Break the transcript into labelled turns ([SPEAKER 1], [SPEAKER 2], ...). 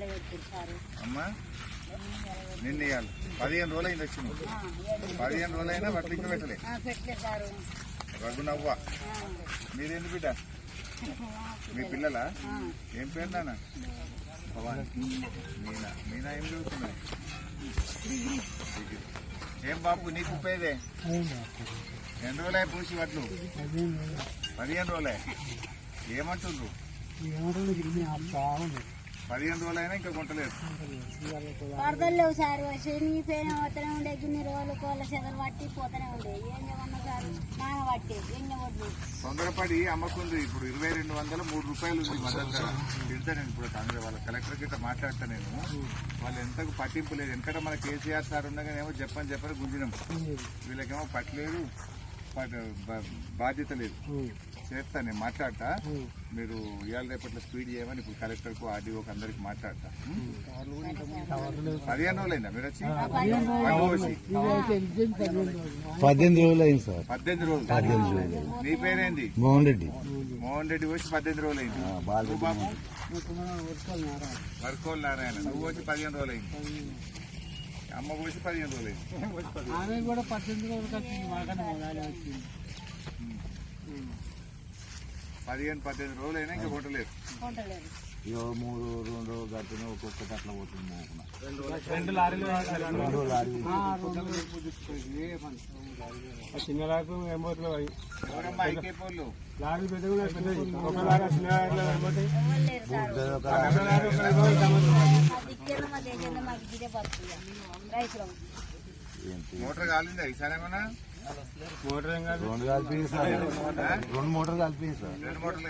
[SPEAKER 1] అమ్మా నిన్న ఇవ్వాలి 15 రోజులు అయింది వచ్చింది 15 రోజులు అయినా వడ్లు ఇంకా పెట్టలే రఘునవ్వ మీరేంది బిడ్డ మీ పిల్లలా ఏం పేరు నాన్న మీనా మీనా ఏం చదువుతున్నాయి ఏం బాబు నీకు ఉపయోగే ఎన్ని రోజులే పూసి వడ్లు 15 రోజులే ఏమంటుండ్రు 15 రోజులైనా ఇంకా కొంటలేదు
[SPEAKER 2] వరదలు లేవు సార్ శనిపోయిన పోతూనే ఉండే గిన్ని రోజులు కోళ్ళ చెదలు పట్టి పోతూనే ఉండే ఏం చేయమన్నా సార్ నాన పట్టి ఏం చేయవద్దు
[SPEAKER 1] తొందరపడి అమ్మకుంది ఇప్పుడు 2200 3 రూపాయలు ఉంది మద్దతు ధర తింటా నేను ఇప్పుడు కాంగ్రెస్ వాళ్ళ కలెక్టర్ గిట్ట మాట్లాడతా నేను వాళ్ళు ఎంతకు పట్టింపు లేదు ఎందుకంటే మన కేసీఆర్ సార్ ఉండగానేమో చెప్పని గుంజినాం వీళ్ళకేమో పట్టలేదు బాధ్యత లేదు చేస్తా నేను మాట్లాడతా మీరు ఇవాళ రేపట్లో స్పీడ్ చేయమని ఇప్పుడు కలెక్టర్కు ఆర్డీఓకి అందరికి మాట్లాడతా 15 రోజులైందా మీరు వచ్చి
[SPEAKER 3] 18 రోజులు అయింది సార్
[SPEAKER 1] 18 రోజులు నీ పేరేంది
[SPEAKER 3] మోహన్ రెడ్డి
[SPEAKER 1] వచ్చి 18 రోజులు అయింది బాబు వర్కోల్ నారాయణ నువ్వు వచ్చి 15 రోజులు అయింది అమ్మ పోసి 15 రోజులు అయింది
[SPEAKER 4] కూడా 18 రోజులు
[SPEAKER 1] 15 రోజులు అయినా ఇంకా కొట్టలేదు
[SPEAKER 3] 2 రోజులు గట్టిన ఒక్కొక్కటి అట్లా పోతుంది
[SPEAKER 4] 2 లారీలు చిన్న లారీ ఎంబోట్లు లారీ పెద్ద ఒక లారీ
[SPEAKER 1] మోటార్ కాలిందా ఈసారి ఏమన్నా
[SPEAKER 3] మోటార్ ఏం కాదు 2 మోటార్లు కలిపి సార్
[SPEAKER 1] 2 మోటార్లు